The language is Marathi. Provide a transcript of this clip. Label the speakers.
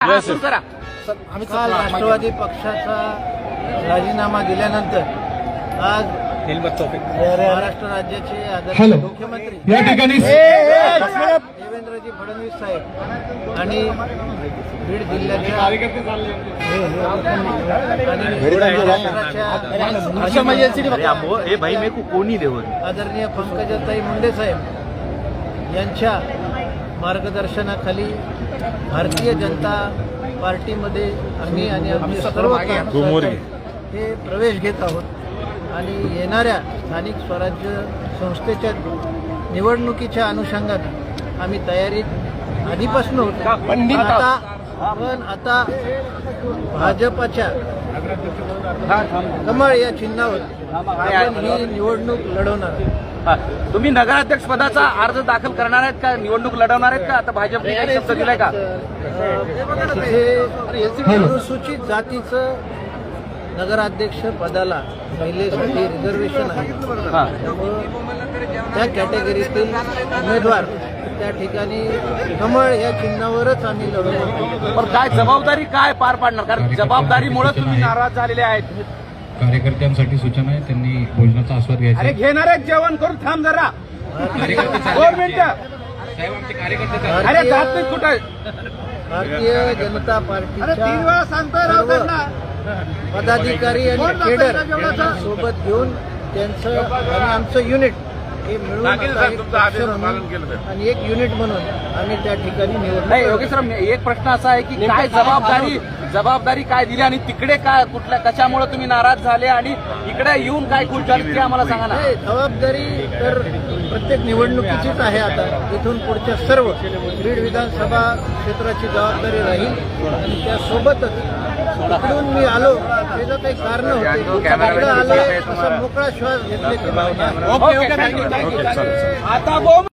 Speaker 1: आम्ही काल राष्ट्रवादी पक्षाचा राजीनामा दिल्यानंतर आज महाराष्ट्र राज्याचे आदरणीय मुख्यमंत्री
Speaker 2: या ठिकाणी
Speaker 1: देवेंद्रजी फडणवीस साहेब आणि बीड जिल्ह्याच्या आदरणीय पंकजाताई मुंडे साहेब यांच्या मार्गदर्शनाखाली भारतीय जनता पार्टीमध्ये आम्ही आणि आमचे सर्व हे प्रवेश घेत आहोत आणि येणाऱ्या स्थानिक स्वराज्य संस्थेच्या निवडणुकीच्या अनुषंगाने आम्ही तयारीत आधीपासून होतो. पण आता भाजपच्या कमळ या चिन्हावर आपण ही निवडणूक लढवणार.
Speaker 3: तुम्ही नगराध्यक्ष पदाचा अर्ज दाखल करणार आहेत का, निवडणूक लढवणार आहेत का? आता भाजपने काही शब्द दिलाय का?
Speaker 1: तिथे अनुसूचित जातीचं नगराध्यक्ष पदाला महिलेसाठी रिझर्वेशन आहे. त्यामुळं त्या कॅटेगरीतील उमेदवार त्या ठिकाणी कमळ या चिन्हावरच आम्ही लढवतो.
Speaker 3: पण काय जबाबदारी काय पार पाडणार? कारण जबाबदारीमुळे तुम्ही नाराज झालेले आहेत.
Speaker 2: कार्यकर्त्यांसाठी सूचना आहे, त्यांनी भोजनाचा आस्वाद घ्यायचा.
Speaker 3: अरे घेणार आहेत जेवण करून थांब जरा. अरे जात नाही कुठं.
Speaker 1: भारतीय जनता पार्टीच्या पदाधिकारी आणि केडर सोबत घेऊन त्यांचं आणि आमचं युनिट हे मिळून आणि एक युनिट म्हणून आम्ही त्या ठिकाणी
Speaker 3: नाही. योगेश्वर, एक प्रश्न असा आहे की काय जबाबदारी काय दिली आणि तिकडे काय कुठल्या कशामुळे तुम्ही नाराज झाले आणि इकडे येऊन काय खुश झाले ते आम्हाला सांगा ना.
Speaker 1: जबाबदारी तर प्रत्येक निवडणुकीचीच आहे. आता इथून पुढच्या सर्व बीड विधानसभा क्षेत्राची जबाबदारी राहील आणि त्यासोबतच इकडून मी आलो त्याचं काही कारण होते. आलोय असं मोकळा श्वास घेतल्याची भावना.
Speaker 3: आता